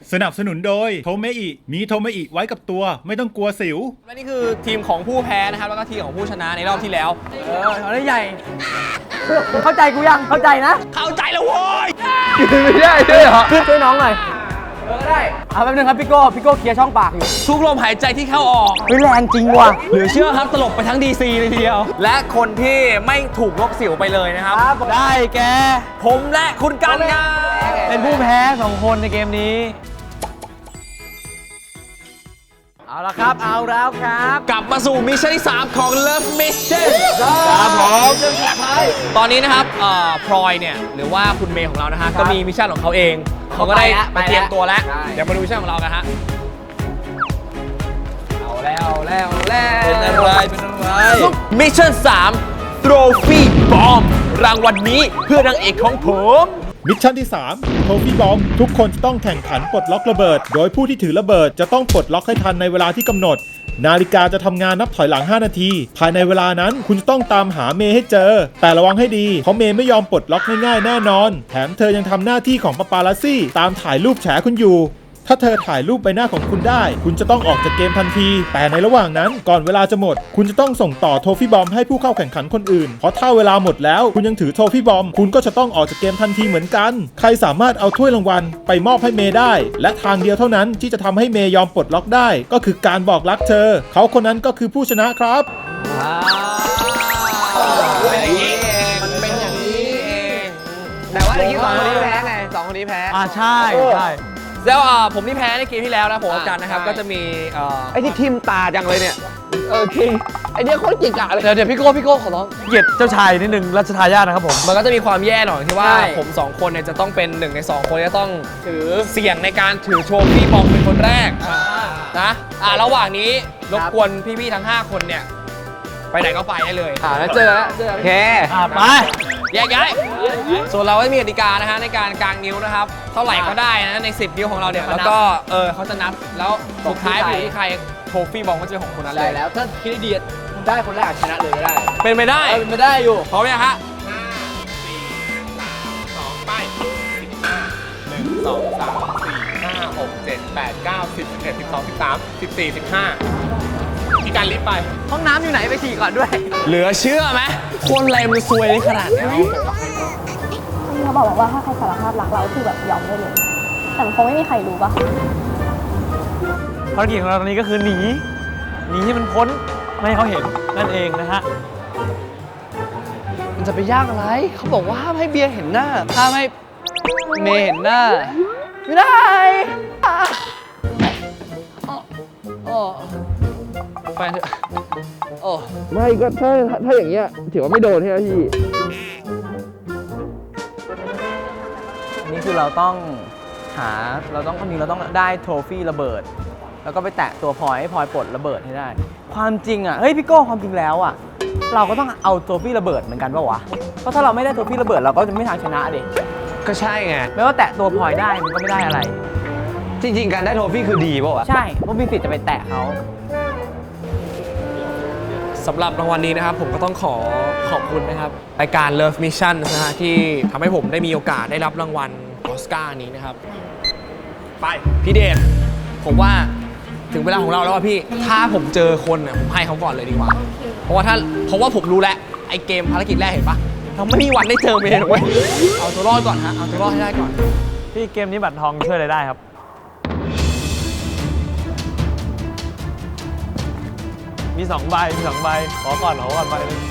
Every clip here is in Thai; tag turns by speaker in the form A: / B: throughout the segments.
A: สนับสนุนโดยโทเมอิมีโทเมอิไว้กับตัวไม่ต้องกลัวสิว
B: และนี่คือทีมของผู้แพ้นะครับแล้วก็ทีมของผู้ชนะในรอบที่แล้ว
C: เขาได้ใหญ่เข้าใจกูยังเข้าใจนะ
B: เข้าใจแล้วโว้ย
C: ไม่ได้ด้วยเหรอช่วยน้องหน่อยก็ได้เอาแป๊บนึงครับพี่โก้เคลียร์ช่องปากอยู่
B: ทุกลมหายใจที่เข้าออก
C: แรงจริงว่ะ
B: เหลือเชื่อครับตลกไปทั้ง DC เลยทีเดียวและคนที่ไม่ถูกลบสิวไปเลยนะครับ
C: ได้แก
B: ผมและคุณกันครับ
C: เป็นผู้แพ้2คนในเกมนี้เอาละครับเอาแล้วครับ
B: กลับมาสู่มิชชั่นที่3ของ Love Mission
C: ครับผม
B: ตอนนี้นะครับพลอยเนี่ยหรือว่าคุณเมย์ของเรานะฮะก็มีมิชชั่นของเขาเองเขาก็ได้มาเตรียมตัวแล้วเดี๋ยวมาดูมิชชั่นของเรากันฮะเอาแล้วเป็นอะไรมิชชั่น3 Trophy Bomb รางวัลนี้เพื่อนางเอกของผม
A: มิชชั่นที่3โทฟี่บอมทุกคนจะต้องแข่งขันปลดล็อกระเบิดโดยผู้ที่ถือระเบิดจะต้องปลดล็อกให้ทันในเวลาที่กำหนดนาฬิกาจะทำงานนับถอยหลัง5นาทีภายในเวลานั้นคุณจะต้องตามหาเมย์ให้เจอแต่ระวังให้ดีเพราะเมย์ไม่ยอมปลดล็อกง่ายๆแน่นอนแถมเธอยังทำหน้าที่ของปาปารัสซี่ตามถ่ายรูปแฉคุณอยู่ถ้าเธอถ่ายรูปใบหน้าของคุณได้คุณจะต้องออกจากเกมทันทีแต่ในระหว่างนั้นก่อนเวลาจะหมดคุณจะต้องส่งต่อโทฟี่บอมให้ผู้เข้าแข่งขันคนอื่นเพราะถ้าเวลาหมดแล้วคุณยังถือโทฟี่บอมคุณก็จะต้องออกจากเกมทันทีเหมือนกันใครสามารถเอาถ้วยรางวัลไปมอบให้เมย์ได้และทางเดียวเท่านั้นที่จะทำให้เมย์ยอมปลดล็อกได้ก็คือการบอกรักเธอเขาคนนั้นก็คือผู้ชนะครับ
B: มันเป็นอย่างนี้เอง
C: แต่ว่าเมื่อกี้2 คนนี้แพ้ไง2 คนนี้แพ้ใช่
B: แล้วผมที่แพ้ในเกมที่แล้วนะผมกับกันนะครับก็จะมี
C: ไอ้ที่ทิมตาจังเลยเนี่ยจริงไอ้เนี่ยโคตรเก่งอะเลยเดี๋ยวพี่โก้ขอร้องเกียรติเจ้าชายนิดนึงรัชทายาทนะครับผม
B: มันก็จะมีความแย่หน่อยที่ว่าผม2คนเนี่ยจะต้องเป็น1ใน2คนจะต้องถือเสี่ยงในการถือโชว์พี่บอมเป็นคนแรกนะระหว่างนี้รบกวนพี่ๆทั้ง5คนเนี่ยไปไหนก็ไปได้เลย
C: แล้วเจอโอเคไป
B: แยกย้ายส่วนเราก็มีกติกานะฮะในการกางนิ้วนะครับเท่าไหร่ก็ได้นะใน10นิ้วของเราเนี่ยแล้วก็เขาจะนับแล้วสุดท้ายอยู่ที่ใครโทฟี่บอมก็จะเป็นของคนนั้นเลย
C: แล้วถ้าคิดดีได้คนแรกชนะเลยก็ได้
B: เป็นไปได้
C: อยู่
B: พร้อมยังฮะ5 4 3 2 ไป1 2 3 4 5 6 7 8 9 10 11 12 13 14 15ที่การลิฟต์ไป
C: ห้องน้ำอยู่ไหนไปฉี่ก่อนด้วย
B: เหลือเชื่อไหมคนอะไรมันซวยขนาดนี้
D: เขาบอกว่าถ้าใครสารภาพรักเราคือแบบยอมได้เลยแต่คงไม่มีใครรู้ป่ะ
C: ภารกิจของเราตอนนี้ก็คือหนีให้มันพ้นไม่ให้เขาเห็นนั่นเองนะฮะมันจะไปยากอะไรเขาบอกว่าห้ามให้เบียร์เห็นหน้าห้ามให้เมย์เห็นหน้าไม่ได้แฟนไม่ก็ถ้าอย่างเงี้ยถือว่าไม่โดนใช่ไหมพี่อันนี้คือเราต้องคนนี้เราต้องได้โทฟี่ระเบิดแล้วก็ไปแตะตัวพลอยให้พลอยปลดระเบิดให้ได้ความจริงอ่ะเฮ้ยพี่โก้ความจริงแล้วอ่ะเราก็ต้องเอาโทฟี่ระเบิดเหมือนกันป่าววะเพราะถ้าเราไม่ได้โทฟี่ระเบิดเราก็จะไม่ทางชนะดิ
B: ก็ใช่ไง
C: ไม่ว่าแตะตัวพลอยได้มันก็ไม่ได้อะไร
B: จริงๆการได้โทฟี่คือดีป่าววะ
C: ใช่เพราะมีสิทธิ์จะไปแตะเขา
B: สำหรับรางวัลนี้นะครับผมก็ต้องขอบคุณนะครับรายการ Love Mission นะฮะที่ทำให้ผมได้มีโอกาสได้รับรางวัลออสการ์นี้นะครับไปพี่เดชผมว่าถึงเวลาของเราแล้วพี่ถ้าผมเจอคนผมให้เขาก่อนเลยดีกว่าเพราะว่าผมรู้แล้วไอ้เกมภารกิจแรกเห็นปะเราไม่มีวันได้เจอเมย์หรอกเว้ยเอาตัวรอดก่อนฮะเอาตัวรอดให้ได้ก่อน
C: พี่เกมนี้บัตรทองช่วยอะไรได้ครับมี2 ใบขอก่อนใบนึง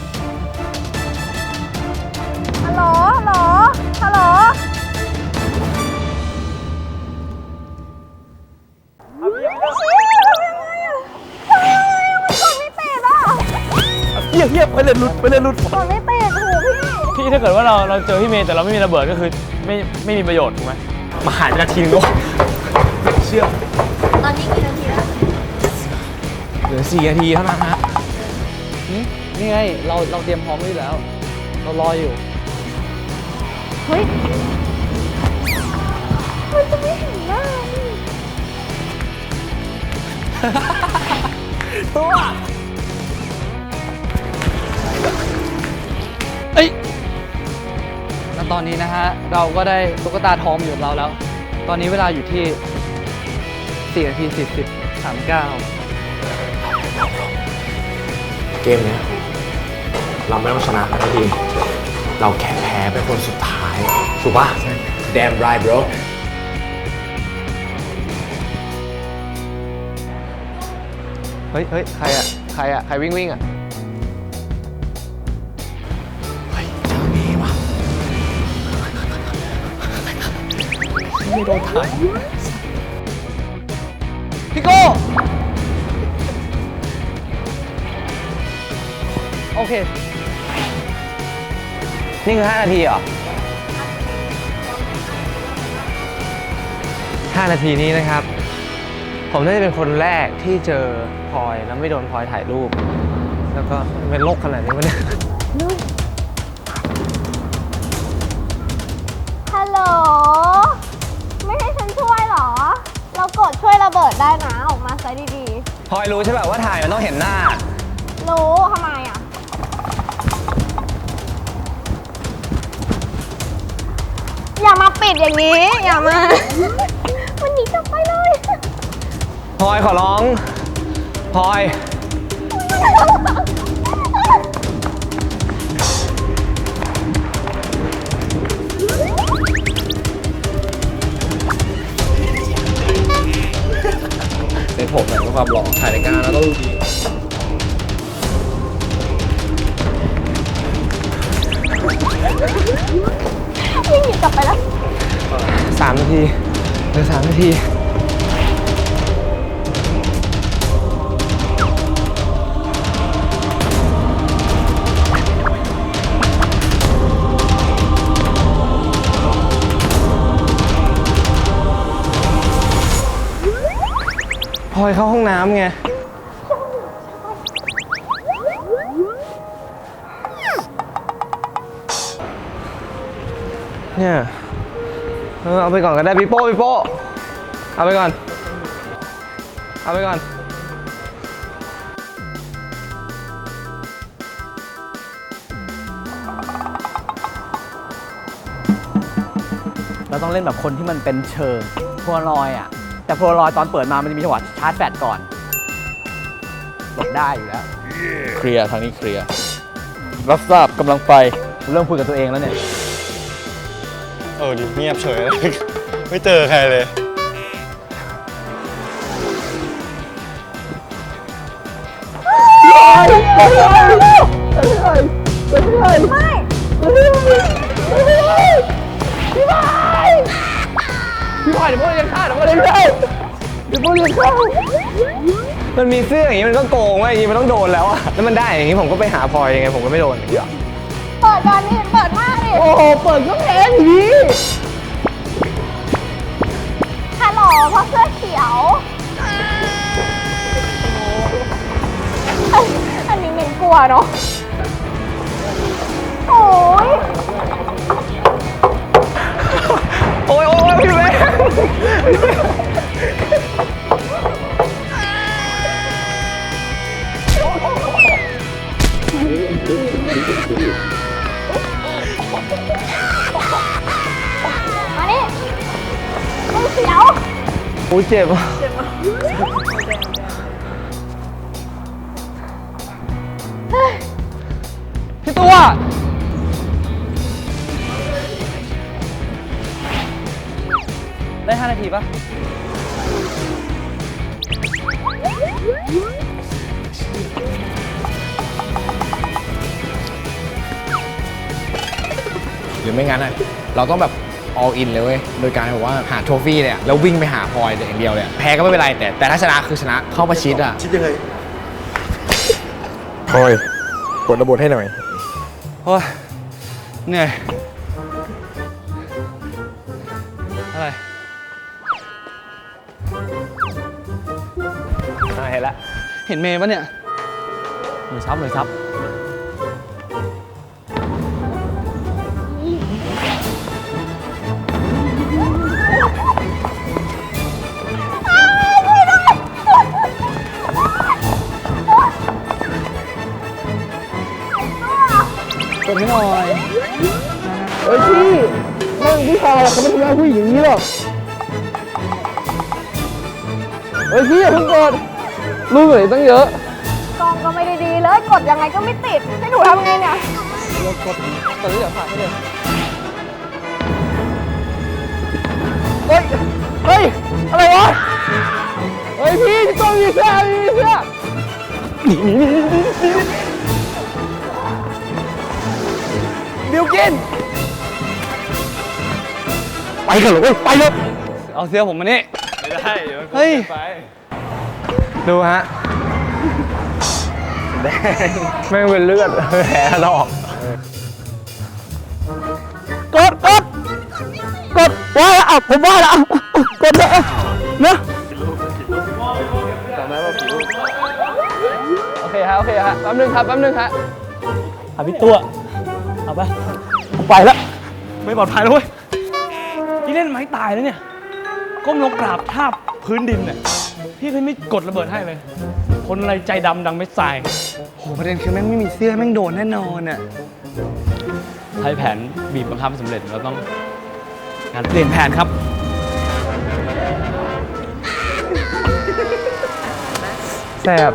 D: ฮัลโหล
C: เฮียไปเลยหลุด
D: กดไม่ติด
C: พี่ถ้าเกิดว่าเราเจอพี่เมย์แต่เราไม่มีระเบิดก็คือไม่มีประโยชน์ถูกไหม
B: มาหายนาทีนึงก็เชื่อ
D: ตอนนี้กี่นาทีแล้ว
B: เหลือ4 นาทีเท่านั้นฮะ
C: นี่ไงเราเตรียมพร้อมไว้แล้วเรารออยู่
D: เฮ้ยมันจะไม่เห็นหน้า
B: ตัว
C: แล้วตอนนี้นะฮะเราก็ได้ตุ๊กตาทองอยู่กับเราแล้วตอนนี้เวลาอยู่ที่4 นาที 40 39
B: เกมเนี้ยเราไม่ต้องชนะนะทีมเราแค่แพ้เป็นคนสุดท้ายถูกปะ Damn right bro
C: เฮ้ย ใครอะใครวิ่งอะ
B: เฮ้ยเจอมีว่ะไม่โดนถ่าย
C: พี่โก้โอเค นี่คือ5 นาทีเหรอ 5 นาทีนี้นะครับ ผมน่าจะเป็นคนแรกที่เจอพลอยแล้วไม่โดนพลอยถ่ายรูป แล้วก็เป็นโรคขนาดนี้วะเนี่ย
D: ฮัลโหล ไม่ให้ฉันช่วยเหรอ เรากดช่วยระเบิดได้นะออกมาซะดี
C: พลอยรู้ใช่ป่ะว่าถ่ายมันต้องเห็นหน้า
D: ๆ รู้ทำไมอ่ะ อย่ามาปิดอย่างนี้ อย่ามา มันหนีกลับไปเลย
C: พลอยขอร้อง พลอย
B: ในผมเนี่ยมีความหล่อถ่ายรายการแล้วต้องดูดี
D: วิ่งหนีกลับไปแล้ว
C: 3 นาทีเหลือ3 นาที พลอยเข้าห้องน้ำไง เนี่ยเอาไปก่อนก็ได้พี่โป้เอาไปก่อน เอาไปก่อน เราต้องเล่นแบบคนที่มันเป็นเชิงโพลารอยด์อ่ะ แต่โพลารอยด์ตอนเปิดมามันจะมีจังหวะชาร์จแฟลชก่อนหลบได้อยู่แล้ว
E: เคลียร์ทางนี้เคลียร์ รับทราบกำลังไป
C: เริ่มคุยกับตัวเองแล้วเนี่ย
E: ดิเงียบเฉยเลย ไม่เจอใครเลย
C: พี่พลอยเดี๋ยวพวกเรียนข้ามันมีเสื้ออย่างนี้มันก็โกงเว้ยอย่างนี้มันต้องโดนแล้วอะแล้วมันได้อย่างนี้ผมก็ไปหาพลอยยังไงผมก็ไม่โดนอย่างนี้หรอ
D: เปิดก่อนนี่เปิดมากดิ
C: โอ้โห เปิดก็แพ้อย่างนี้
D: ฮัลโหลเพราะเสื้อเขียว อันนี้มินกลัวเนาะ โอ้ย
C: โอ้ยพี่เว้ย
D: มานี่มือเขียว
C: โอ้ยเจ็บอ่ะพี่ตัวได้5 นาทีปะ
B: หรือไม่งั้นอะเราต้องแบบ all in เลยเว้ย โดยการแบบว่าหาโทฟี่เนี่ยแล้ววิ่งไปหาพลอยอย่างเดียวเลยแพ้ก็ไม่เป็นไรแต่ถ้าชนะคือชนะเข้าประชิดอะ
E: พลอย กดระบบให้หน่อย
C: โอ้ยเหนื่อยอะไรเห็นแล้ว เห็นเมย์ปะเนี่ยหน่วยซับกดให้หน่อยเฮ้ยพี่แม่งผู้ชายเขาไม่ทำร้ายผู้หญิงอย่างนี้หรอก
E: เฮ้ยพี่อย่าเพิ่งกดรูปไหนตั้งเยอะ
D: กล้องก็ไม่ได้ดีเลย กดยังไงก็ไม่ติด ให้หนูทำไงเนี่ย
C: ตอนนี้เดี๋ยวผ่านให้เลยเฮ้ย เฮ้ย อะไรวะ เฮ้ยพี่ต้องมีเสื้อมีเสื้อบิวกิน
E: ไปกันเลยไปเลย
C: เอาเสื้อผมมานี่
E: ไม่ได้
C: เฮ้ย ดูฮะแม่งเป็นเลือดแผลถลอกกดว่าแล้วอ่ะผมว่าแล้วกดเลยนะโอเคฮะแป๊บนึงครับพี่ตัวเอาไปแล้วไม่ปลอดภัยแล้วเว้ยที่เล่นไม้ตายแล้วเนี่ยก้มลงกราบทาบพื้นดินเนี่ยพี่ไม่กดระเบิดให้เลย คนอะไรใจดำดังไม่ทรายโหประเด็นคือแม่งไม่มีเสื้อแม่งโดนแน่นอนอ่ะใช้แผนบีบบังคับสำเร็จเราต้องการเปลี่ยนแผนครับแสบ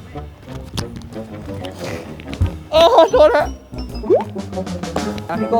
C: โอ้โทษฮะพี่โก้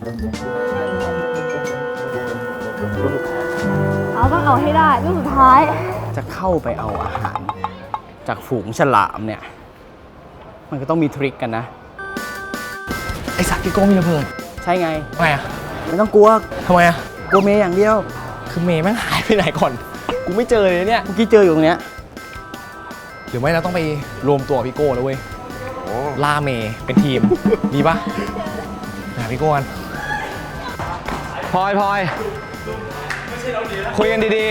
D: เอาต้องเอาให้ได้ลูกสุดท้าย
C: จะเข้าไปเอาอาหารจากฝูงฉลามเนี่ยมันก็ต้องมีทริคกันนะไอสัตว์พี่โก้มีระเบิดใช่ไง
B: ทำไมอ่ะ
C: ไม่ต้องกลัว
B: ทำไมอ่ะ
C: กลัวเมย์อย่างเดียว
B: คือเมย์แม่งหายไปไหนก่อน กูไม่เจอเลยเนี่ย
C: เมื่อกี้เจออยู่ตรงเนี้ย
B: หรือไม่เราต้องไปรวมตัวกับพี่โก้แล้วเว้ยล่าเมย์เป็นทีม ดีปะหาพี่โก้กันพลอยคุยกันดี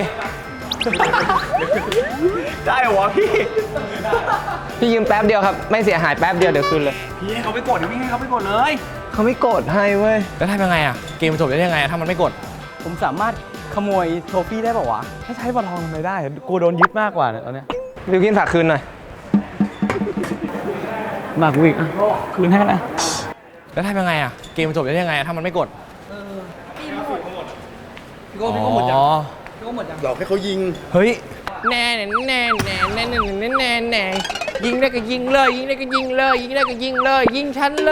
B: ๆ ได้เหรอวะพี่
F: พี่ยืมแป๊บเดียวครับ ไม่เสียหายแป๊บเดียวเดี๋ยวคืนเลย
B: พี่ให้เขาไปกดเดี๋ยวพี่ให้เขาไปกดเลย
F: เขาไม่กดให้เว้ย
B: แล้วทำยังไงอ่ะ เกมมันจบได้ยังไงอะถ้ามันไม่กด
C: ผมสามารถขโมยโทฟี่ได้ป่าวะถ้าใช้บอลทองทำไมได้กูโดนยึดมากกว่าเนี่ยตอนเนี้ย
F: บิวกินฝากคืนหน่อย
C: มากกูอีกอ่ะคืนให้นะ
B: แล้วทำยังไงอ่ะ เกมมันจบได้ยังไงอะถ้ามันไม่กด
C: พี่โก้พี่โก้หมดยัง
B: อ๋อ
C: พี่โก้หมดยัง
E: หลอกให้เขายิง
B: เฮ้ย แน่ยิงได้ก็ยิงเลย ยิงได้ก็ยิงเลย ยิงได้ก็ยิงเลย ยิงฉันเลย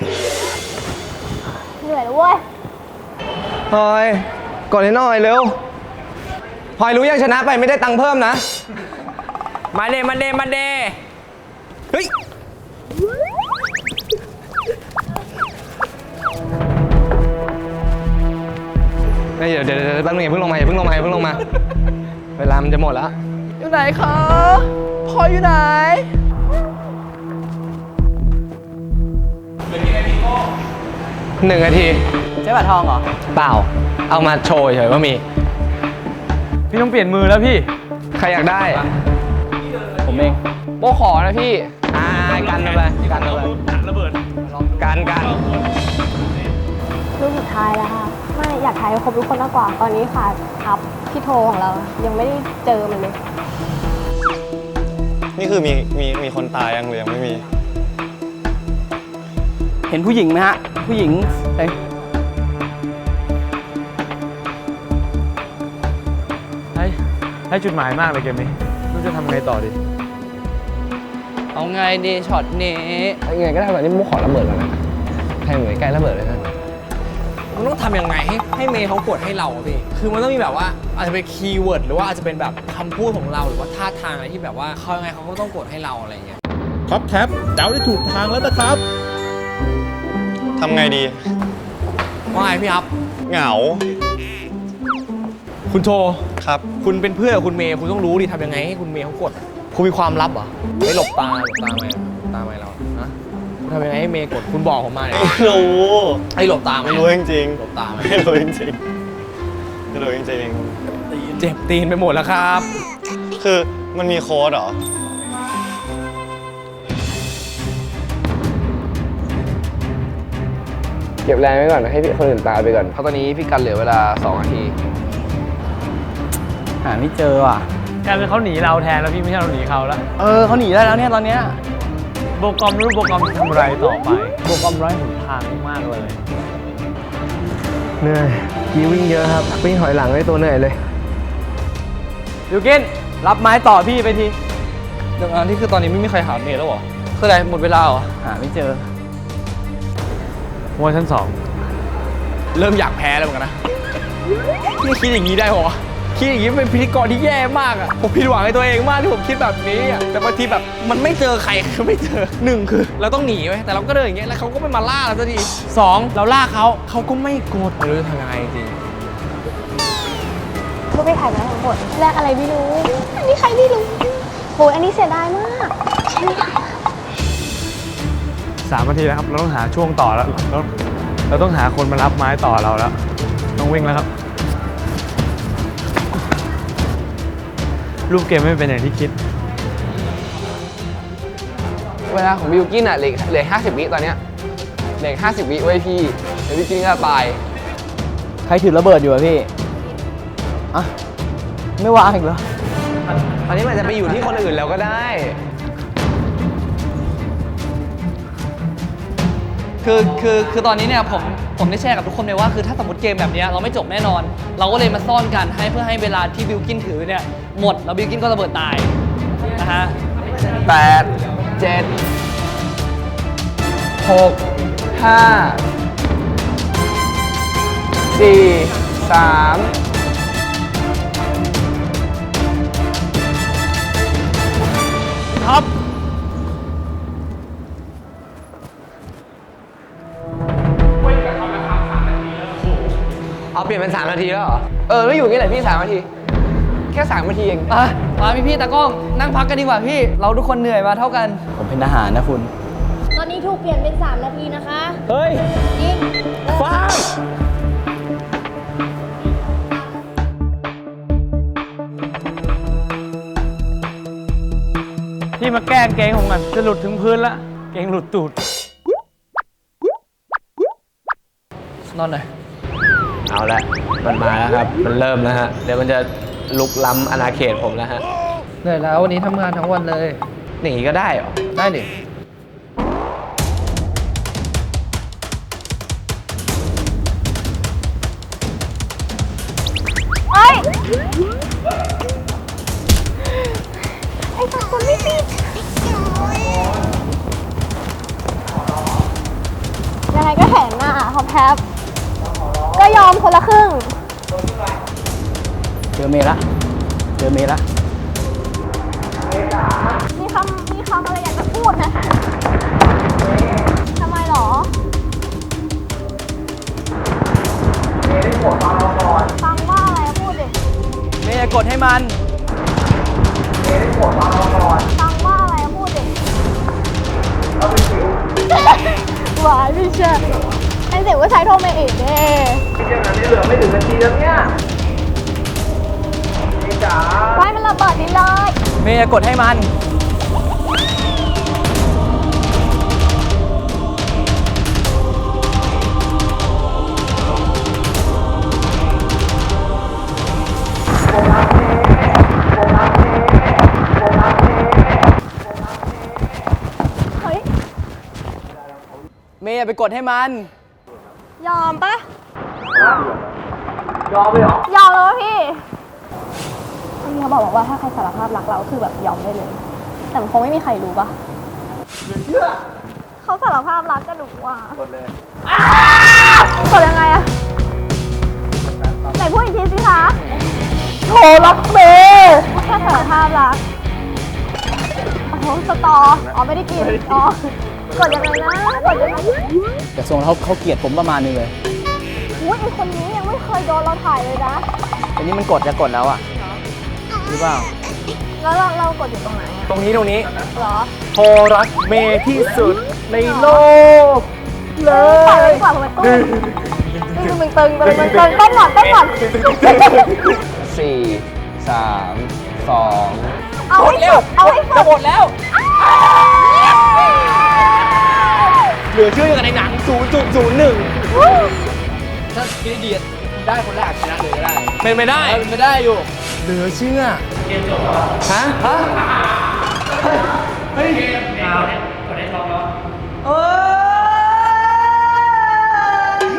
D: เหนื่อยแล้วเว้ย
F: พลอยกดให้หน่อยเร็วพลอยรู้ยังชนะไปไม่ได้ตังค์เพิ่มนะ
B: มาเดเฮ้ย
F: เดี๋ยวแป๊บนึงอย่าเพิ่งลงมา เวลามันจะหมดแล้ว
C: อยู่ไหนคะพลอยอยู่ไหน
F: 1 นาที
C: ใช้บัตรทองเหรอ
F: เปล่า เอามาโชว์เฉยว่ามี
C: พี่ต้องเปลี่ยนมือแล้วพี่
F: ใครอยากได้
C: ผมเอง
F: โบขอนะพี่กันเอาไปกันระเบิดกัน
D: ลูกสุดท้ายแล้วค่ะ ไม่อยากถ่ายให้ครบทุกคนมากกว่า ตอนนี้ค่ะทับพี่โทของเรา ยังไม่ได้เจอมันเลย
E: นี่คือมีคนตายยังหรือยังไม่มี
C: เห็นผู้หญิงไหมฮะ ผู้หญิงเอ้ยให้จุดหมายมากเลยเกมนี้ไม่รู้จะทำไงต่อดี
F: เอาไงดีช็อตนี้ยังไงก็ได้แบบนี้โบขอระเบิดแล้วนะใครเหมือนใกล้ระเบิดเลยนะ
B: มันต้องทำยังไงให้เมย์เขากดให้เราอะพี่ คือมันต้องมีแบบว่าอาจจะเป็นคีย์เวิร์ดหรือว่าอาจจะเป็นแบบคำพูดของเราหรือว่าท่าทางอะไรที่แบบว่าเขายังไงเขาก็ต้องกดให้เราอะไรอย่างเงี้ย
A: ท็อปแท็บเดาได้ถูกทางแล้วนะครับ
E: ทำไงดี
B: ว่าไงพี่ครับ
E: เหงา
B: คุณโท
E: ครับ
B: คุณเป็นเพื่อนกับคุณเมย์คุณต้องรู้ดิทำยังไงให้คุณเมย์เขากด คุณมีความลับเหรอไม่หลบตาไหมเราฮะคุณทำยังไงให้เมย์กดคุณบอกผมมาเลย
E: ไม่รู้
B: ให้หลบตาไหม
E: ไม่รู้จริง
B: หลบตาไหม
E: ๆไม่รู้จริงๆไม่รู้จริง
B: เจ็บตีนไปหมดแล้วครับ
E: ๆคือมันมีโค้ดเหรอ
F: เก็บแรงไว้ก่อนให้พี่คนอื่นตายไปก่อนเพราะตอนนี้พี่กันเหลือเวลา2 นาที
C: หาไม่เจอว่ะ
G: กลายเป็นเขาหนีเราแทนแล้วพี่ไม่ใช่เราหนีเขาแล้ว
C: เขาหนีได้แล้วเนี่ยตอนเนี้ย
G: โบกอมไม่รู้โบกอมจะทำอะไรต่อไปโบกอมไร้หนทางมากเลย
F: เหนื่อยมีวิ่งเยอะครับวิ่งถอยหลังได้ตัวเหนื่อยเลย
C: บิวกินรับไม้ต่อพี่ไปที
F: เดี๋ยวนี่คือตอนนี้ไม่มีใครหาเมย์แล้วเหรอคืออะไรหมดเวลาเหรอ
C: หาไม่เจอ
G: ว่าชั้นสอง
B: เริ่มอยากแพ้แล้วเหมือนกันนะนี่คิดอย่างนี้ได้เหรอวะคิดอย่างนี้เป็นพิธีกรที่แย่มากอะผมผิดหวังในตัวเองมากที่ผมคิดแบบนี้อะแต่บางทีแบบมันไม่เจอใครคือไม่เจอหนึ่งคือเราต้องหนีไว้แต่เราก็เดินอย่างเงี้ยแล้วเขาก็ไม่มาล่าเราสักทีสองเราล่าเขาก็ไม่กดไม่รู้จะทำยังไงจริง
D: ลูกไปถ่ายมาทั้งหมดแลกอะไรไม่รู้ อันนี้ใครไม่รู้โหอันนี้เสียดายมากใช่ไหมคะ
G: 3 นาทีแล้วครับ เราต้องหาช่วงต่อแล้ว เราต้องหาคนมารับไม้ต่อเราแล้ว ต้องวิ่งแล้วครับ รูปเกมไม่เป็นอย่างที่คิด
F: เวลาของบิวกินอ่ะเหลือ50 วิตอนเนี้ยเหลือ50 วิไว้ยพี่เดี๋ยวบิวกินก็ตาย
C: ใครถือระเบิดอยู่อะพี่ อ่ะ ไม่วางอีกเหรอ
B: อันนี้มันจะไปอยู่ที่คนอื่นแล้วก็ได้
H: คือตอนนี้เนี่ยผมได้แชร์กับทุกคนไปว่าคือถ้าสมมติเกมแบบเนี้ยเราไม่จบแน่นอน เราก็เลยมาซ่อนกันเพื่อให้เวลาที่บิลกินถือเนี่ยหมดแล้วบิลกินก็ระเบิดตายนะฮะ
F: 8 7 6 5 4 3
G: ครับ
B: เอาเปลี่ยนเป็น3 นาทีแล้วเหรอ
F: ไม่อยู่อย่างนี้แหละพี่3 นาที แค่3 นาทีเอง
H: มาพี่ตากล้องนั่งพักกันดีกว่าพี่ เราทุกคนเหนื่อยมาเท่ากัน
C: ผมเป็นทหารนะคุณ
D: ตอนนี้ถูกเปลี่ยนเป็น 3 นาทีนะคะ
B: เฮ้ย
D: จริง
B: ฟ้า
G: ที่มาแกล้งเกงของมันจะหลุดถึงพื้นละ เกงหลุดตูด
H: นอนหน่อย
B: เอาละมันมาแล้วครับ มันเริ่มแล้วฮะ เดี๋ยวมันจะลุกล้ำอาณาเขตผมแล้วฮะ
H: เหนื่อยแล้ววันนี้ทำงานทั้งวันเลย
B: หนีก็ได้เหรอ
H: ได้ดิ
D: เอ้ย ไอ้สัตว์คนไม่ติดยังไงก็เห็นน่ะขอแพบก็ยอมคนละครึ่ง
C: เจอเมย์ละ เจอเมย์ละ
D: มีคำอะไรอยากจะพูดนะทำไมหรอฟังว่าอะไรพูดดิ
C: เมย์อย่ากดให้มัน
D: ฟังว่าอะไรพูดดิหวานพี่เชื่อไอ้เสียงว่าใช้โทรเมย์เองเน่ไว้มันระเบิดดิเลย
C: เมย์อย่ากดให้มัน
D: เฮ้ย
C: เมย์อย่าไปกดให้มัน
D: ยอมปะยอมเลยเหรอ ยอมแล้วพี่พี่เขาบอกว่าถ้าใครสารภาพรักเราคือแบบยอมได้เลย แต่มันคงไม่มีใครรู้ปะเขาสารภาพรักก็หนูอ่ะกดเลยกดยังไงอะไหนพูดอีกทีสิคะโหรักเมย์แค่สารภาพรักโอ้โหสตออ๋อไม่ได้กินอ๋อกดยังไงนะกดยังไง
C: แต่ทรงเขาเกลียดผมประมาณนึงเลย
D: อุ้ยไอคนนี้ยังไม่เคยโดนเราถ่ายเลยนะ
C: อันนี้มันกดจะกดแล้วอ่ะหรือเปล่า
D: แล้วเรากดอยู่ตรงไหนอะ
B: ตรงนี้
D: เหรอ
B: โทรรักเมย์ที่สุดในโลกเล
D: ปล่อยไว้
B: ย
D: ดีกว่าผมเป็นตุ้มตึงต้นก่อน
F: 4 3 2
D: เอาให้สุดเอาให้สุด
B: จะหมดแล้ว เหลือเชื่อกันในหนัง 0.01
F: ถ้าพี่เดียดได้คนแรกชนะเลยก็ได้
B: เป็นไปได้
F: เป็นไปได้อยู่
B: เหลือเชื่อ
F: ฮะ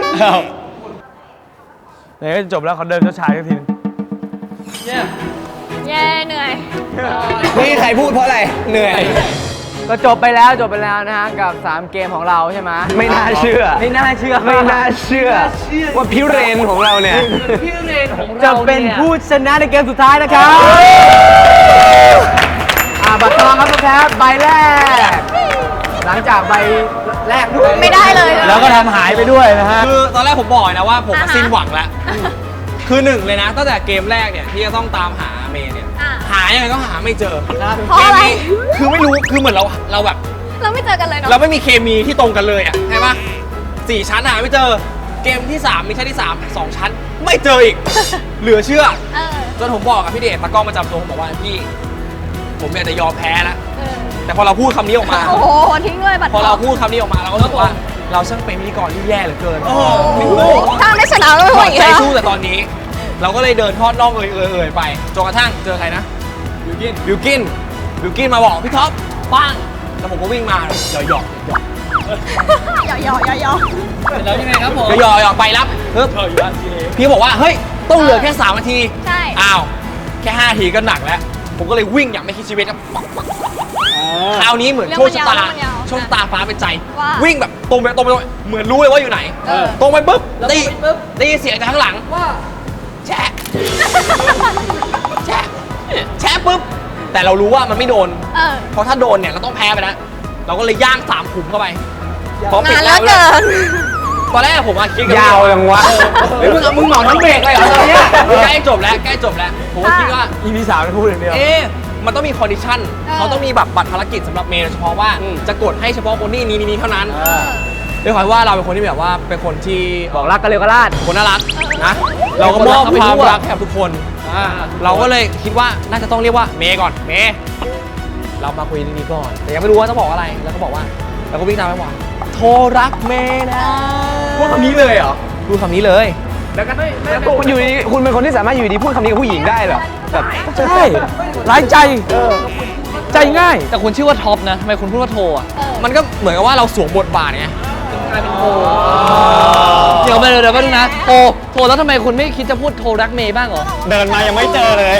G: ไหนก็จะจบแล้วเขาเดินช้าๆสักทีนึง
H: เนี่ย
D: เย้เหนื่อย
B: นี่ใครพูดเพราะอะไร เหนื่อย
C: ก็จบไปแล้วนะฮะกับ 3 เกมของเราใช่ไหม
F: ไม่น่าเชื่อ
C: ไม่น่าเชื่อ
F: ไม่น่าเชื่อ ว่าพิเรนของเราเนี่ย
H: พี่เรนของ
C: จะ
H: เรา
C: เป็น
H: เนี่ย
C: ผู้ชนะในเกมสุดท้ายนะครับบัตรทองครับคุณแพ้ใบแรก หลังจากใบแรกด้วย
D: ไม่ได้เลย
C: แล้วก็ทำหายไปด้วยนะฮะ
B: คือตอนแรกผมบอกนะว่าผม
D: อ่าฮะ
B: สิ้นหวังแล้ว คือหนึ่งเลยนะตั้งแต่เกมแรกเนี่ยที่จะต้องตามหาเมย์เนี่ย
D: อ่ะ
B: หายังไงก็หาไม่เจอ
D: เพราะอะไร
B: กมนี้คือไม่รู้ คือเหมือนเราแบบ
D: เราไม่เจอกันเลยเนาะ
B: เราไม่มีเคมีที่ตรงกันเลยอ่ะใช่ปะ4 ชั้นหาไม่เจอ เกมที่ 3 มีชั้นที่ 3 2 ชั้น ไม่เจออีก เหลือเชื่อ
D: เออ
B: จนผมบอกกับพี่เดชตากล้องประจำตัวผมบอกว่าพี่ ผมอยากจะยอมแพ้แล้ว
D: เออ
B: แต่พอเราพูดคำนี้ออกมา
D: โอ้โห ทิ้งเลยบัตร
B: พอเราพูดคำนี้ออกมาเราก็รู้สึกว่าเราช่างเป็นพิธีกรที่แย่เหลือเกินไม่รู้
D: ถ้าไม่ชนะก็ไม่
B: ถ
D: ไหว
B: อด
D: อีก
B: ใจ
D: แล้ว
B: สู้แต่ตอนนี้ เราก็เลยเดินทอดน่องเอ่ยไปจนกระทั่งเจอใครนะบิวกินมาบอกพี่ท็อปปังแล้วผมก็วิ่งมาหยอก
D: หยอก
H: แล้วยังไงครับผม
B: หยอกไปรับปึ๊บพี่บอกว่าเฮ้ยต้องเหลือแค่3 นาที
D: ใช่
B: อ้าวแค่5 นาทีก็หนักแล้ว ผมก็เลยวิ่งอย่างไม่คิดชีวิตครับคราวนี้เหมือนโชคชะตาโชคชะตาฟ้าเป็นใจ วิ่งแบบตรงไปเหมือนรู้เลยว่าอยู่ไหน ตรงไปปุ๊บได้ยินเสียงจากข้างหลัง
H: ว่า
B: แชะแชะปุ๊บ แต่เรารู้ว่ามันไม่โดน
D: เออ
B: เพราะถ้าโดนเนี่ยเราต้องแพ้ไปแล้ว เราก็เลยย่าง3 ขุมเข้าไปพอปิด
D: นาน
B: แล้
D: แล้ว วเกิน
B: ตอนแรกผมอะคิดกับ
F: ยาวยังวะ
B: เฮ้ยมึงเหมาทั้งเบรกเลยเหรอตอนเนี้ยใกล้จบแล้วผมก็คิดว่า
C: EP 3ไม่พูดอย่างเดียว
B: มันต้องมีคอนดิชั่น เขาต้องมีแบบบัตรภารกิจสำหรับเมย์โดยเฉพาะว่าจะกดให้เฉพาะคนนี้นี้เท่านั้นด้วยความว่าเราเป็นคนที่แบบว่าเป็นคนที่
C: บอกรักกันเร็วก็ลาด
B: คนน่ารักนะ เราก็มอบความรักให้กับทุกคน เราก็เลยคิดว่าน่าจะต้องเรียกว่าเมย์ก่อน เมย์เรามาคุยเรื่องนี้ก่อน แต่ยังไม่รู้ว่าต้องบอกอะไร แล้วก็บอกว่าเราก็วิ่งตามไปว่าโทรรักเมย์นะ
F: พูดคำนี้เลยเหรอ
B: พูดคำนี้เลย
F: แล้วคุณอยู่ดีคุณเป็นคนที่สามารถอยู่ดีพูดคำนี้กับผู้หญิงได้เหรอแบบ
C: ใช่ร้ายใจ ใจง่าย
H: แต่คุณชื่อว่าท็อปนะทำไมคุณพูดว่าโทรอ่ะ
B: มันก็เหมือนกับว่าเราสวมบทบาทไง
H: เดี๋ยวไปดูนะโทรแล้วทำไมคุณไม่คิดจะพูดโทรรักเมย์บ้างเหรอ
F: เดินมายังไม่เจอเลย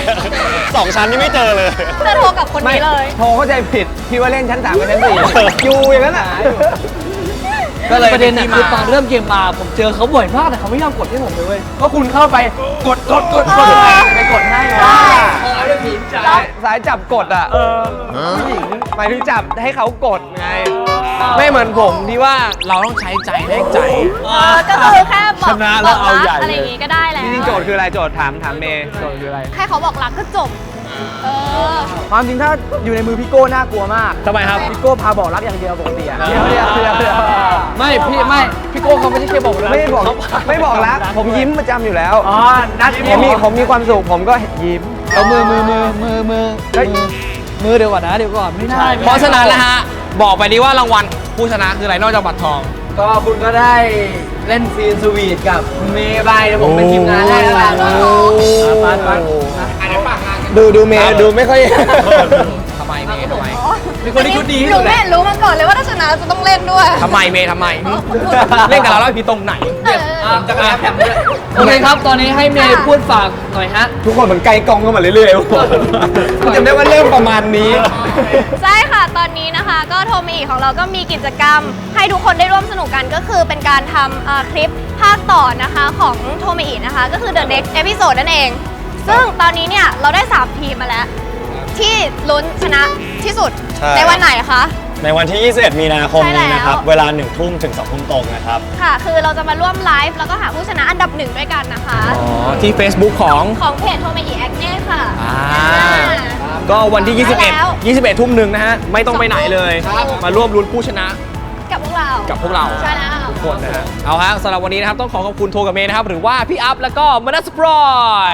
F: 2 ชั้นนี่ไม่เจอเลย
D: จะโทรกับคนนี้เลย
F: โทรเข้าใจผิดพี่ว่าเล่นชั้น 3กับชั้น 4อยู่อย่างนั้นอ่ะ
B: ก็เลย
H: ประเด็นน่ะ
B: ที่
H: คือตอนเริ่มเกมมาผมเจอเขาบ่อยมากแต่เขาไม่ยอมกดให้ผมเลยเว้ย
C: ก็คุณเข้าไปกดไปกดให้
F: สายจับกดอ่ะผู้หญิงหมายถึงจับให้เขากดไง
B: ไม่เหมือนผมที่ว่าเราต้องใช้ใจแลกใจ
D: ก็คือแค่บอก
F: ชนะแล้ว
D: บอก
F: เอา
D: รัก
F: ใหญ่
D: อะไรอย่างงี้ก็ได้แล้ว
F: จริงๆโจทย์คืออะไรโจทย์ถามเมย์โจทย์คืออะไร
D: แค่เขาบอกรักก็จบ เออ
C: ความจริงถ้าอยู่ในมือพี่โก้น่ากลัวมาก
B: ทำไมครับ
C: พี่โก้พาบอกรักอย่างเดียวปกติอะเดี๋ยว
H: ไม่พี่โก้เขาไม่ใช่แค่บอกรัก
F: ไม่บอก
H: เขา
F: ไม่บอกรักผมยิ้มประจำอยู่แล้ว
C: อ๋อนัด
F: ผมมีความสุขผมก็ยิ้ม
H: เอามือเดี๋ยวก่อนนะเดี๋ยวก่อนไม่ได้
B: เพราะฉะนั้นนะฮะ บอกไปดีว่ารางวัลผู้ชนะคืออะไรนอกจากบัตรทอง
C: ก็คุณก็ได้เล่นซีนสวีทกับเมย์บายเดี๋ยวผมเป็นทีมงานให้แล้วกันปัด
F: ดูเมย์ดูไม่ค่อย
B: ทำไมเมย์ทำไม
H: เป็นคนที่ชุดดีที่
D: หนู
H: สุดแห
D: ไม่
H: ละ
D: เห็นรู้มาก่อนเลยว่าถ้าชนะจะต้องเล่นด้วย
B: ทำไมเมย์ทำไม เล่นกับเราแล้วพี่ตรงไหน
H: จักรยานแถมด้วยโอเคครับ ตอนนี้ให้เมย์พูดฝากหน่อยฮะ
F: ทุกคนเหมือนไกลกองเข้ามาเรื่อยๆจำได้ว่าเริ่มประมาณนี้
D: ใช่ค่ะ ตอนนี้นะคะ ก็โทมิอีของเราก็มีกิจกรรม ให้ทุกคนได้ร่วมสนุกกันก็คือเป็นการทำคลิปภาคต่อนะคะของโทมิอีนะคะ ก็คือ The Next Episode นั่นเอง ซึ่งตอนนี้เนี่ย เราได้ 3 ทีมมาแล้ว ที่ลุ้นชนะที่สุด
E: ใช่
D: ในวันไหนคะ
E: ในวันที่ 21 มีนาคมนี้นะครับ
D: ใช่แล้ว
E: เวลา 1 ทุ่มถึง 2 ทุ่มตรงนะครับ
D: ค่ะ คือเราจะมาร่วมไลฟ์แล้วก็หาผู้ชนะอันดับ 1 ด้วยกันนะคะ
B: อ๋อ ที่ Facebook ของ
D: ของเพจโทมิอีแอคเน่ค่ะ
B: ก็วันที่
D: ได้แล้ว
B: 21 ทุ่มหนึ่งนะฮะ ไม่ต้องไปไหนเลย มาร่วมลุ้นผู้ชนะ
D: กับพวกเรา
B: กับพวกเรา
D: ใช่แล้ว
B: ทุกคนนะฮะ เอาฮะสำหรับวันนี้นะครับ ต้องขอขอบคุณโทกับเมย์นะครับ หรือว่าพี่อัพแล้วก็มานัสปรอย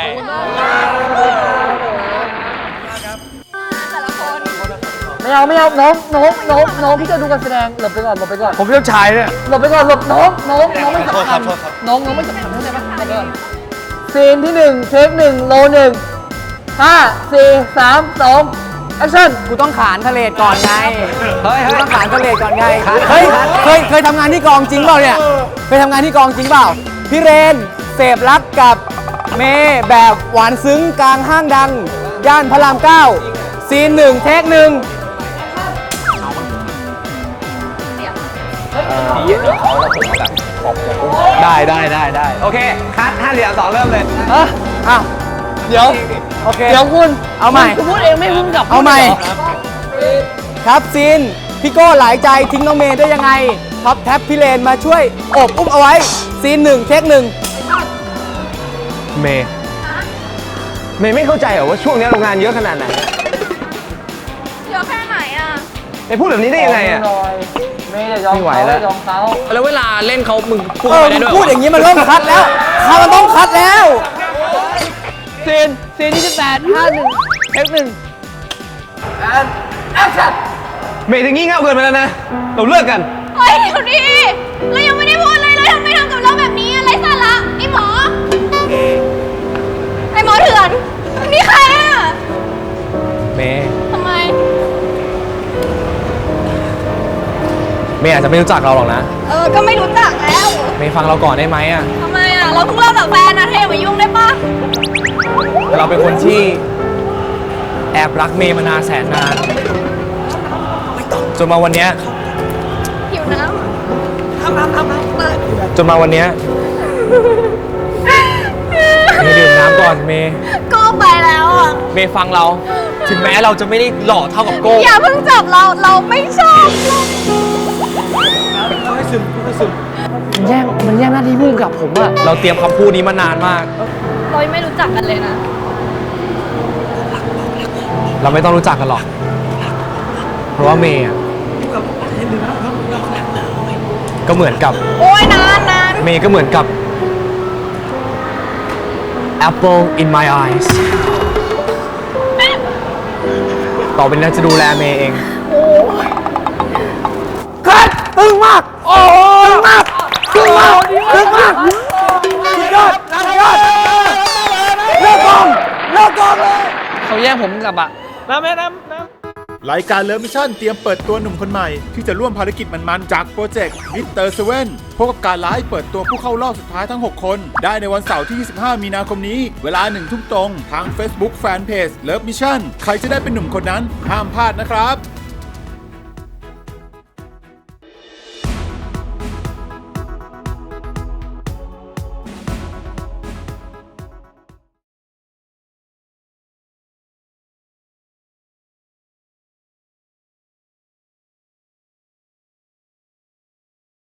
D: แต่ละคน
H: ไม่เอาน้องพี่จะดูการแสดงหลบไปก่อน
C: ผมเจ้าชายเนี่ย
H: หลบไปก่อนหลบน้องไม่สำคัญน้องไม่สำคัญเข้าใจปะหลบไปก่อนซีนที่1เทค1โล1 5 4 3 2แอคชั่น
C: กูต้องขานทะเลก่อนไง
F: เฮ้ย
C: กูต้องขานทะเลก่อนไง เฮ้ย เคยทำงานที่กองจริงเปล่าเนี่ย เคยทำงานที่กองจริงเปล่า พี่เรนเสพรักกับเมย์แบบหวานซึ้งกลางห้างดังย่านพระราม 9 ซีน 1 เทค 1
B: ได้โอเคคัด5 4 3 2เริ่มเลย
C: อ่ะ
H: เดี๋ยว
C: โอเค
H: เดี๋ยวคุณ
C: เอาใหม่
H: คุณพูดเองไม่พูดกับ
C: เอาใหม่
H: พูดลยร
C: ครับซีน พี่โก้หลายใจทิ้งน้องเมย์ได้ยังไงท็อปแท็บพี่เลนมาช่วยโอบอุ้มเอาไว้ ซีน 1 เทค 1
B: เมย์ไม่เข้าใจเหรอว่าช่วงนี้เรางานเยอะขนาดไหน
D: เยอะแค่ไหนอ่ะ
B: ไปพูดแบบนี้ได้ยังไงอ่ะ
C: ไม่ไหวแล้ว
B: แล้วเวลาเล่นเขามึงพูด
C: เออ
B: ไปได้ด้วย
C: พูดอย่างนี้มันเริ่มคัดแล้วมันต้องคัดแล้ว
H: ซีนที่18 51 เทค 1
B: เมย์จะงี่เง่าเกินไปแล้วนะ เราเลิกกัน
D: เฮ้ยเดี๋ยวดิเรายังไม่ได้พูดเลยเราทำไมทำกับเราแบบนี้อะไรสาระไอ้หมอเถื่อนนี่ใครอ่ะ
B: เมย์
D: ทำไม
B: เมย์อาจจะไม่รู้จักเราหรอกนะ
D: ก็ไม่รู้จักแล้ว
B: เมย์ฟังเราก่อนได้ไหมอ่ะ
D: ทำไมอ่ะเราเพิ่งเลิกกับแฟนนะเธออย่ามายุ่งได้ปะ
B: เราเป็นคนที่แอบรักเมย์มานานแสนนานจนมาวันเนี้ย
D: หิวน้ำ
B: จนมาวันเนี้ยเมย์ดื่มน้ำก่อนเมย์
D: ก็ไปแล้วอ่ะ
B: เมย์ฟังเรา ถึงแม้เราจะไม่ได้หล่อเท่ากับโก้
D: อย่าเพิ่งจับเราไม่ชอบเรา
H: มันแย่งหน้าที่พูดกับผมอะ
B: เราเตรียมคำพูดนี้มานานมาก
D: เรายังไม่รู้จักกันเลยนะ
B: เราไม่ต้องรู้จักกันหรอก เพราะว่าเมย์อะก็เหมือนกับ
D: โอ้ยนาน
B: เมย์ก็เหมือนกับ Apple in my eyes ต่อไปนี้จะดูแลเมย์เอง
C: คัดตึงมาก โอ้ตึงมากสุดยอดเลิกกองเลย
H: เขาแย่งผมกลับอะ
A: รายการเลิฟมิชชั่นเตรียมเปิดตัวหนุ่มคนใหม่ ที่จะร่วมภารกิจมันๆจากโปรเจกต์มิสเตอร์เซเว่นพบกับการไลฟ์เปิดตัวผู้เข้ารอบสุดท้ายทั้ง 6 คน ได้ในวันเสาร์ที่ 25 มีนาคมนี้ เวลา 1 ทุ่มตรง ทาง Facebook Fanpage เลิฟมิชชั่นใครจะได้เป็นหนุ่มคนนั้นห้ามพลาดนะครับ